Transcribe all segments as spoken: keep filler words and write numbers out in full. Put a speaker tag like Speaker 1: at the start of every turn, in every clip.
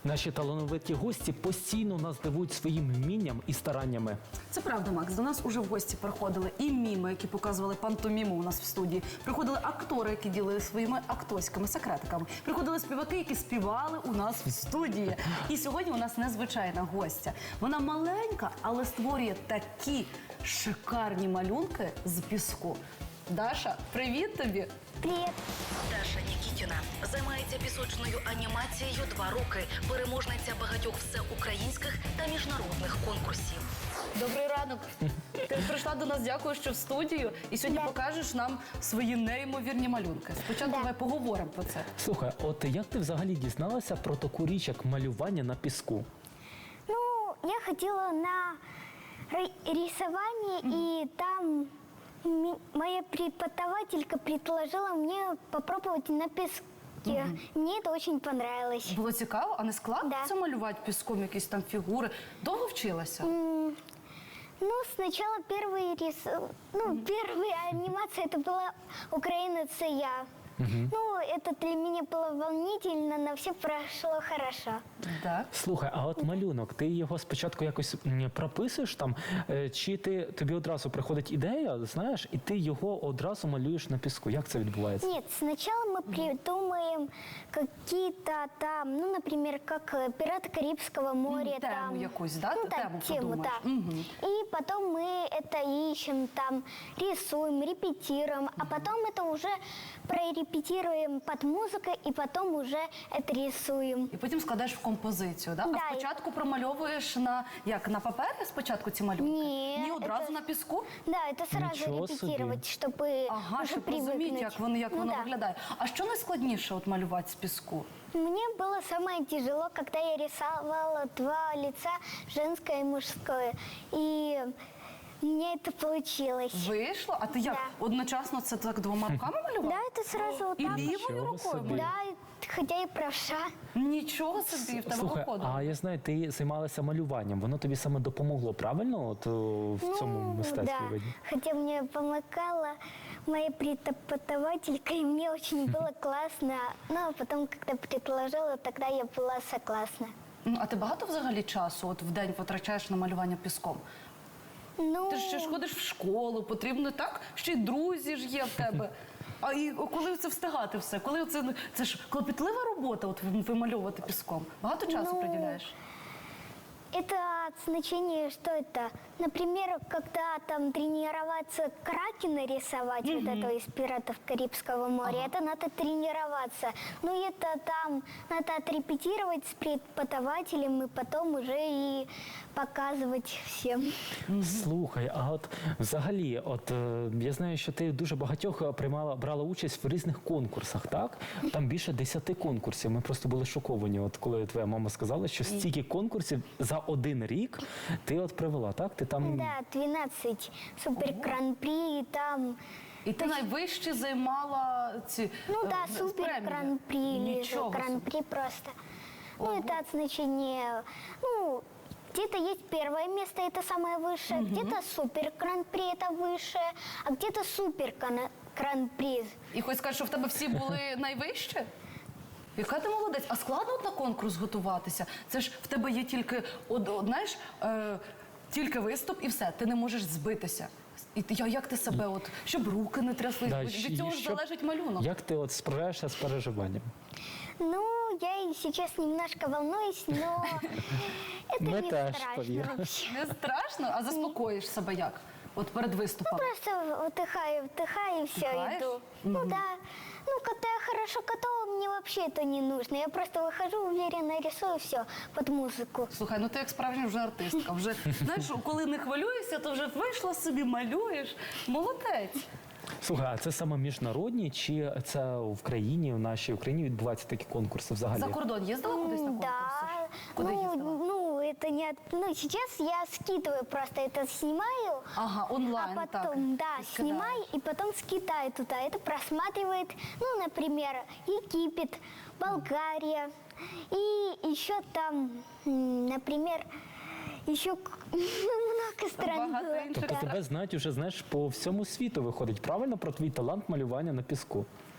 Speaker 1: Наші талановиті гості постійно нас дивують своїм вмінням і стараннями.
Speaker 2: Це правда, Макс. До нас уже в гості приходили і міми, які показували пантоміму у нас в студії. Приходили актори, які ділили своїми акторськими секретиками. Приходили співаки, які співали у нас в студії. І сьогодні у нас незвичайна гостя. Вона маленька, але створює такі шикарні малюнки з піску. Даша, привіт тобі!
Speaker 3: Привет.
Speaker 4: Даша Нікітіна займається пісочною анімацією два роки. Переможниця багатьох всеукраїнських та міжнародних конкурсів.
Speaker 2: Добрий ранок! Ти прийшла до нас, дякую, що в студію. І сьогодні
Speaker 3: Да.
Speaker 2: покажеш нам свої неймовірні малюнки. Спочатку
Speaker 3: Да.
Speaker 2: давай поговоримо про це.
Speaker 1: Слухай, от як ти взагалі дізналася про таку річ, як малювання на піску?
Speaker 3: Ну, я ходила на ри- рисование, и там ми- моя преподавателька предложила мне попробовать на песке. Мне это очень понравилось.
Speaker 2: Було цікаво, а не складно
Speaker 3: Да.
Speaker 2: це малювати піском, якісь там фігури? Довго вчилася?
Speaker 3: Ну, сначала первый рис... ну, первая анимация это была «Украина, це я». Ну, это для меня было волнительно, но все прошло хорошо.
Speaker 2: Так.
Speaker 1: Слухай, а от малюнок, ти його спочатку якось м, прописуєш там, е, чи ти, тобі одразу приходить ідея, знаєш, і ти його одразу малюєш на піску? Як це відбувається?
Speaker 3: Нет, сначала мы придумаем какие-то там, ну, например, как э, «Пираты Карибского моря».
Speaker 2: М, тему
Speaker 3: там,
Speaker 2: якусь, да?
Speaker 3: Ну,
Speaker 2: Ты
Speaker 3: так,
Speaker 2: тему
Speaker 3: тему,
Speaker 2: придумаешь.
Speaker 3: да.
Speaker 2: Мгм.
Speaker 3: И потом мы это ищем, там, рисуем, репетируем, а потом это уже прорепетируем под музыку, и потом уже это рисуем.
Speaker 2: І потім складаєш в композицію, да?
Speaker 3: Да.
Speaker 2: А спочатку промальовуєш на, як, на папері спочатку ці малюнки?
Speaker 3: Ні,
Speaker 2: Ні, одразу
Speaker 3: це-
Speaker 2: на піску?
Speaker 3: Да, это сразу
Speaker 1: Ничего себе.
Speaker 3: репетировать, чтобы
Speaker 2: Ага,
Speaker 3: уже
Speaker 2: щоб розуміти,
Speaker 3: привыкнуть.
Speaker 2: як воно, як
Speaker 3: Ну
Speaker 2: воно
Speaker 3: да.
Speaker 2: виглядає. А що найскладніше от малювати з піску?
Speaker 3: Мне было самое тяжело, когда я рисовала два лица, женское и мужское. И у меня это получилось.
Speaker 2: Вийшло? А ти як?
Speaker 3: Да.
Speaker 2: Одночасно це так двома руками малював?
Speaker 3: Да, это сразу вот
Speaker 2: І
Speaker 3: так.
Speaker 2: лівою
Speaker 1: Нічого
Speaker 2: рукою
Speaker 1: собі.
Speaker 2: малював?
Speaker 3: Да, хотя и правша.
Speaker 2: Нічого собі, в тебе
Speaker 1: Слухай,
Speaker 2: виходило.
Speaker 1: а я знаю, ти займалася малюванням, воно тобі саме допомогло, правильно, от о, в цьому мистецтві
Speaker 3: Ну, да.
Speaker 1: виді?
Speaker 3: Хотя мне помогала моя преподавателька, и мне очень было классно. Ну, а потом, когда предложила, тогда я была согласна.
Speaker 2: Ну, а ти багато взагалі часу от в день потрачаєш на малювання піском?
Speaker 3: Ну,
Speaker 2: Ти ж ще ж ходиш в школу, потрібно так, ще й друзі ж є в тебе. А і коли це встигати все? Коли це, це ж клопітлива робота, от вимальовувати піском. Багато часу
Speaker 3: Ну,
Speaker 2: приділяєш?
Speaker 3: это от значения, что это? Например, когда там тренироваться кракена рисовать, вот этого из «Пиратов Карибского моря», это надо тренироваться. Ну, это там надо отрепетировать с преподавателем и потом уже и показывать всем.
Speaker 1: Слухай, а от взагалі, от е, я знаю, що ти дуже багатьох приймала, брала участь в різних конкурсах, так? Там більше десяти конкурсів. Ми просто були шоковані, от коли твоя мама сказала, що стільки конкурсів за один рік ти от привела, так? Ти там
Speaker 3: Да, двенадцать супер-гран-при, и там...
Speaker 2: І ти найвище займала ці
Speaker 3: Ну
Speaker 2: е,
Speaker 3: да,
Speaker 2: з
Speaker 3: супер
Speaker 2: премії.
Speaker 3: гран-при или же
Speaker 2: Нічого собі.
Speaker 3: гран-при просто. Ну, это от значения, ну, где-то есть первое место, это самое высшее, где-то супер гран-при, это высшее, а где-то супер гран- гран-при.
Speaker 2: І хоч скажеш, що в тебе всі були найвище? Яка ти молодець? А складно от на конкурс готуватися? Це ж в тебе є тільки, од, од- знаєш, е, тільки виступ і все, ти не можеш збитися. І ти, я- як ти себе, от, щоб руки не тряслись,
Speaker 1: Да,
Speaker 2: бо
Speaker 1: щ-
Speaker 2: від цього ж
Speaker 1: щоб-
Speaker 2: залежить малюнок.
Speaker 1: Як ти от справляєшся з переживанням?
Speaker 3: Ну, я и сейчас немножко волнуюсь, но это
Speaker 1: Мы
Speaker 3: не
Speaker 1: тоже,
Speaker 3: страшно
Speaker 1: поверь.
Speaker 3: вообще.
Speaker 2: Не страшно, а заспокоїш себе як? От перед виступом.
Speaker 3: Просто вдыхаю, вдыхаю и все,
Speaker 2: Вдыхаешь?
Speaker 3: иду. Ну да. Ну, когда я хорошо готова, мне вообще это не нужно. Я просто выхожу, уверенно рисую все под музыку.
Speaker 2: Слухай, ну ти як справжня вже артистка. Вже, знаєш, коли не хвилюєшся, то вже вийшла собі, малюєш. Молодець.
Speaker 1: Слухай, а це саме міжнародні, чи це в країні, в нашій Україні відбуваються такі конкурси взагалі?
Speaker 2: За кордон їздила кудись на конкурси?
Speaker 3: Да.
Speaker 2: Куди
Speaker 3: ну,
Speaker 2: їздила?
Speaker 3: ну, это не... от- Ну, сейчас я скидываю просто это, снимаю.
Speaker 2: Ага, онлайн,
Speaker 3: А
Speaker 2: так.
Speaker 3: потом, да,
Speaker 2: Ты скидаешь.
Speaker 3: снимаю и потом скидаю туда. Это просматривает, ну, например, Египет, Болгария. И еще там, м, например, еще к- много стран
Speaker 2: Багато
Speaker 3: было.
Speaker 2: інших.
Speaker 1: Тобто тебе знають уже, знаєш, по всьому світу виходить, правильно, про твій талант малювання на піску?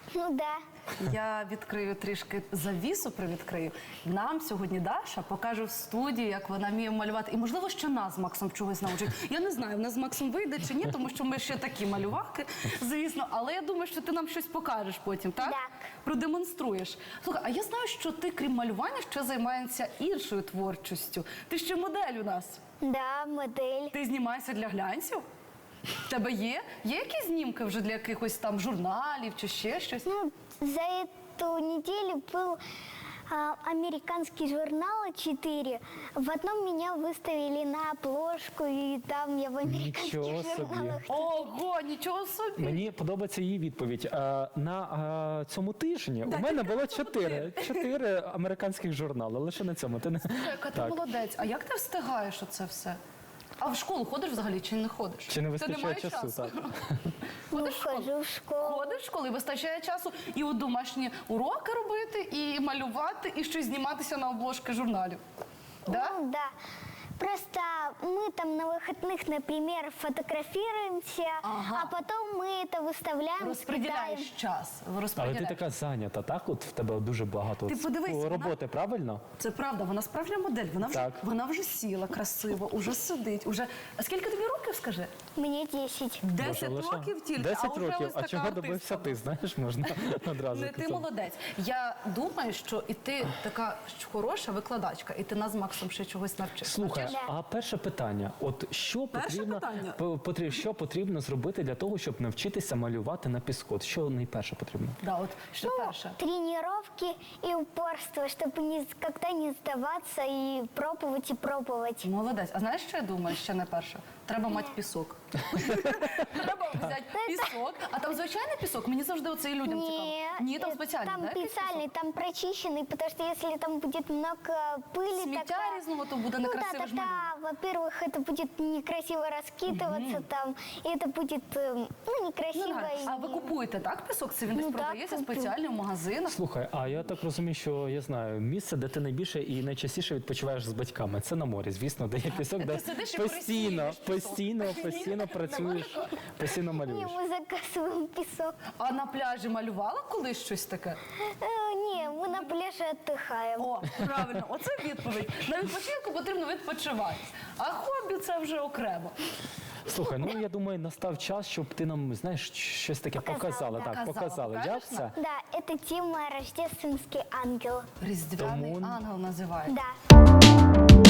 Speaker 3: Ну да.
Speaker 2: Я відкрию трішки завісу, привідкрию. Нам сьогодні Даша покаже в студії, як вона вміє малювати. І, можливо, ще нас з Максом чогось научить. Я не знаю, в нас з Максом вийде чи ні, тому що ми ще такі малюваки, звісно. Але я думаю, що ти нам щось покажеш потім, так?
Speaker 3: Так.
Speaker 2: Продемонструєш. Слухай, а я знаю, що ти, крім малювання, ще займаєшся іншою творчістю. Ти ще модель у нас.
Speaker 3: Да, модель.
Speaker 2: Ти знімаєшся для глянців? В тебе є? Є якісь знімки вже для якихось там журналів чи ще щось?
Speaker 3: Ну, за эту неделю был а, американский журнал четыре. В одном меня выставили на обложку, и там я в американских
Speaker 1: Ничего себе.
Speaker 3: журналах.
Speaker 2: Ого, нічого собі!
Speaker 1: Мені подобається її відповідь. Е, На е, цьому тижні у мене було чотири, чотири американських журнали. Лише на цьому. Ти не...
Speaker 2: Яка ти
Speaker 1: Так.
Speaker 2: молодець. А як ти встигаєш оце все? А в школу ходиш взагалі чи не ходиш?
Speaker 1: Чи не
Speaker 2: Ти
Speaker 1: вистачає
Speaker 2: маєш
Speaker 1: часу? Так.
Speaker 3: Ну,
Speaker 2: Ходиш в школу?
Speaker 3: хожу в школу.
Speaker 2: Ходиш в школу і вистачає часу і от домашні уроки робити, і малювати, і щось зніматися на обложки журналів. Да?
Speaker 3: Ну, да. Просто мы там на выходных, например, фотографируемся,
Speaker 2: Ага.
Speaker 3: а потом мы это выставляем, скидаем.
Speaker 2: Розподіляєш час.
Speaker 1: Але ти
Speaker 2: Розподіляєш.
Speaker 1: така зайнята, так? От в тебе дуже багато
Speaker 2: Ти
Speaker 1: от
Speaker 2: подивись, вона-
Speaker 1: роботи, правильно?
Speaker 2: Це правда, вона справжня модель. Вона вже,
Speaker 1: Так.
Speaker 2: вона вже сіла красиво, уже сидить. Уже... А скільки тобі років, скажи?
Speaker 3: Мне десять.
Speaker 2: Десять
Speaker 1: Боже, лише
Speaker 2: років тільки,
Speaker 1: десять
Speaker 2: а вже
Speaker 1: років.
Speaker 2: ось
Speaker 1: А
Speaker 2: така
Speaker 1: чого добився
Speaker 2: артистка.
Speaker 1: ти? Знаєш, можна одразу.
Speaker 2: Не ти
Speaker 1: казати.
Speaker 2: молодець. Я думаю, що і ти така ж хороша викладачка, і ти нас з Максом ще чогось навчиш.
Speaker 1: Слухай,
Speaker 3: Навчиш?
Speaker 1: а перше питання: от що
Speaker 2: Перше
Speaker 1: потрібно
Speaker 2: питання?
Speaker 1: по- потрібно, що потрібно зробити для того, щоб навчитися малювати на піску? От що найперше потрібно?
Speaker 2: Да, от що
Speaker 3: Ну,
Speaker 2: перше.
Speaker 3: тренировки и упорство, чтобы никогда не сдаваться и пробовать и пробовать.
Speaker 2: Молодець. А знаєш, що я думаю? Ще не перше. Треба мати пісок. Треба взяти пісок. А там звичайний пісок? Мені завжди оце і людям цікаво. Ні, там
Speaker 3: э,
Speaker 2: спеціальний,
Speaker 3: там
Speaker 2: да, якийсь
Speaker 3: специальный,
Speaker 2: пісок?
Speaker 3: там прочищенный, потому что если там будет много пыли,
Speaker 2: Сміття
Speaker 3: такая-
Speaker 2: різного, то буде
Speaker 3: ну да,
Speaker 2: некрасиво ж малюнок.
Speaker 3: тогда, во-первых, это будет некрасиво раскидываться там, и это будет, э, ну,
Speaker 2: Ну,
Speaker 3: некрасиво.
Speaker 2: нормально.
Speaker 3: и-
Speaker 2: А ви купуєте, так, пісок? Це він десь
Speaker 3: Ну, так,
Speaker 2: продається
Speaker 3: куплю.
Speaker 2: спеціально в магазинах?
Speaker 1: Слухай, а я так розумію, що я знаю місце, де ти найбільше і найчастіше відпочиваєш з батьками. Це на морі, звісно, де є пісок, де
Speaker 2: Ти сидиш і
Speaker 1: постійно,
Speaker 2: присієш пісок.
Speaker 1: постійно, постійно працюєш, постійно
Speaker 3: Не,
Speaker 1: малюєш.
Speaker 3: мы заказываем песок.
Speaker 2: А на пляжі малювала колись щось таке?
Speaker 3: Э, не, мы на пляже отдыхаем.
Speaker 2: О, правильно, оце відповідь. На відпочинку потрібно відпочивати. А хобі це вже окремо.
Speaker 1: Слухай, ну я думаю, настав час, щоб ти нам, знаєш, щось таке
Speaker 3: Показала,
Speaker 1: показала. Так,
Speaker 2: показала.
Speaker 1: показали. Як
Speaker 2: Покажеш
Speaker 1: це?
Speaker 3: Да, это тема «Рождественский ангел».
Speaker 2: Різдвяний
Speaker 1: Тому-
Speaker 2: ангел називається.
Speaker 3: Да.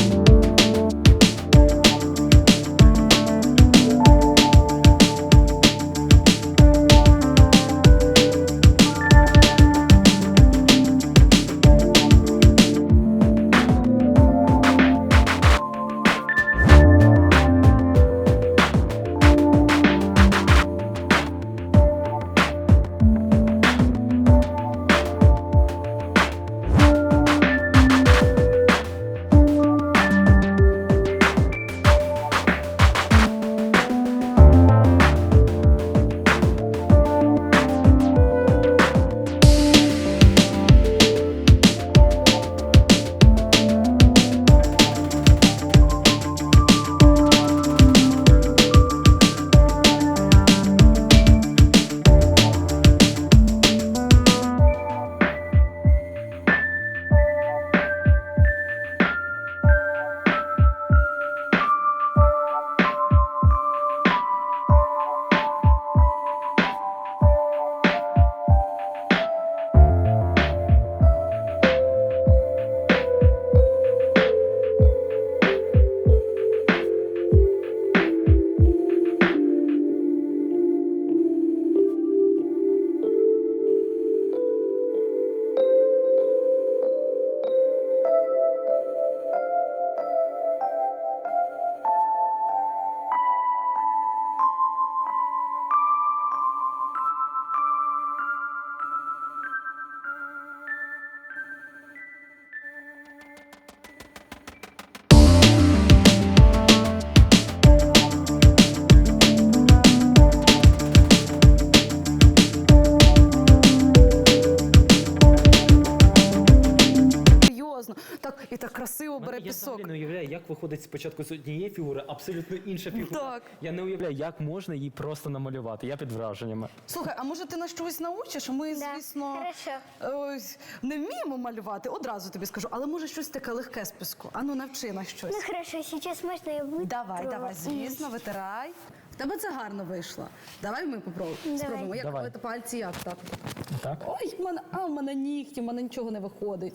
Speaker 2: класно. Так, і так красиво бере
Speaker 1: Я
Speaker 2: пісок.
Speaker 1: взагалі не уявляю, як виходить спочатку з однієї фігури, абсолютно інша фігура.
Speaker 2: Так.
Speaker 1: Я не уявляю, як можна її просто намалювати. Я під враженнями.
Speaker 2: Слухай, а може ти нас чогось научиш? Ми,
Speaker 3: Да,
Speaker 2: звісно,
Speaker 3: хорошо.
Speaker 2: ось, не вміємо малювати, одразу тобі скажу, але може щось таке легке з піску. Ану, навчи нас щось.
Speaker 3: Ну хорошо, сейчас можно я буду.
Speaker 2: Давай, давай, звісно, витирай. В тебе це гарно вийшло. Давай ми попробуємо.
Speaker 3: Давай.
Speaker 2: Спробуємо. Як
Speaker 1: Давай.
Speaker 2: от пальці, як так?
Speaker 1: Так?
Speaker 2: Ой, в мене, а в мене нігті, в мене нічого не виходить.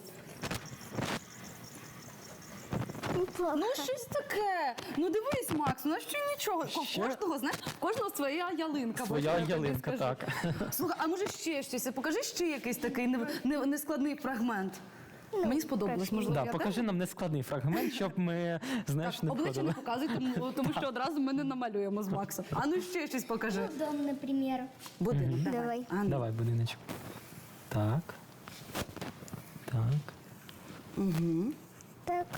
Speaker 3: Неплохо.
Speaker 2: Ну, щось таке. Ну дивись, Макс, ну що нічого. Ко-
Speaker 1: Ще?
Speaker 2: Кожного, знаєш, кожного своя ялинка.
Speaker 1: Своя
Speaker 2: бо я тобі
Speaker 1: ялинка,
Speaker 2: скажу.
Speaker 1: так.
Speaker 2: Слухай, а може ще щось? Покажи ще якийсь такий не- не- нескладний фрагмент. Мені сподобалось, можливо,
Speaker 1: Да,
Speaker 2: я
Speaker 1: покажи
Speaker 2: теж?
Speaker 1: нам нескладний фрагмент, щоб ми, знаєш, не
Speaker 2: Обличчя не
Speaker 1: входили.
Speaker 2: показуй, тому, тому що одразу ми не намалюємо з Максом. А ну ще щось покажи.
Speaker 3: Ну, дом, например.
Speaker 2: Будинок, давай.
Speaker 3: Давай.
Speaker 2: А, ну.
Speaker 1: Давай, будиночок. Так. Так.
Speaker 3: Так.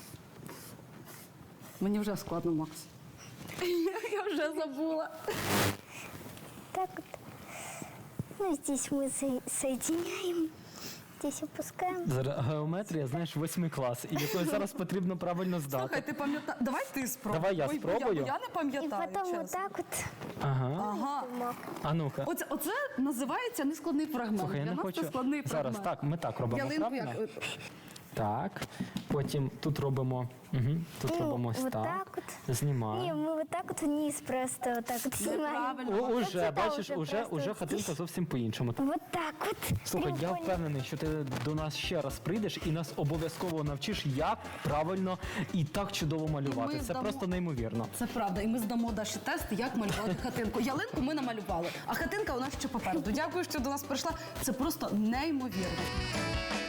Speaker 2: Мені вже складно, Макс. Я вже забула.
Speaker 3: Так вот. Ну, здесь мы со- соединяем. Здесь опускаем.
Speaker 1: Зараз геометрія, знаєш, восьмий клас, і якою зараз потрібно правильно здати.
Speaker 2: Слухай, ти пам'ятаєш? Давай ти спробуй.
Speaker 1: Давай я
Speaker 2: Ой, бо
Speaker 1: спробую.
Speaker 2: Я, бо я не
Speaker 3: И
Speaker 2: пам'ятаю,
Speaker 3: потом вот
Speaker 2: чесно.
Speaker 3: так вот.
Speaker 1: Ага.
Speaker 2: Ага.
Speaker 3: Мог.
Speaker 1: А ну-ка.
Speaker 2: Оце, оце називається нескладний фрагмент.
Speaker 1: Слухай, я
Speaker 2: Для
Speaker 1: не
Speaker 2: нас
Speaker 1: хочу.
Speaker 2: це складний
Speaker 1: Зараз
Speaker 2: фрагмент.
Speaker 1: так, ми так робимо,
Speaker 2: Ялинку
Speaker 1: правильно?
Speaker 2: як?
Speaker 1: Так. Потім тут робимо. Угу. Тут
Speaker 3: Ну,
Speaker 1: робимо ось
Speaker 3: вот
Speaker 1: так.
Speaker 3: так вот. Не,
Speaker 1: Знімаємо.
Speaker 3: мы вот так вот вниз просто вот так вот снимаем.
Speaker 2: Неправильно.
Speaker 1: О, уже,
Speaker 3: Це
Speaker 1: бачиш,
Speaker 3: вже
Speaker 1: уже,
Speaker 3: просто
Speaker 1: уже
Speaker 3: ось
Speaker 1: хатинка
Speaker 3: здесь.
Speaker 1: зовсім по-іншому.
Speaker 3: Вот так вот.
Speaker 1: Слухай, я
Speaker 3: Треугольник.
Speaker 1: впевнений, що ти до нас ще раз прийдеш і нас обов'язково навчиш, як правильно і так чудово малювати.
Speaker 2: ми
Speaker 1: Це
Speaker 2: здамо-
Speaker 1: просто неймовірно.
Speaker 2: Це правда. І ми здамо Даші тест, як малювати хатинку. Ялинку ми намалювали, а хатинка у нас ще попереду. Дякую, що до нас прийшла. Це просто неймовірно.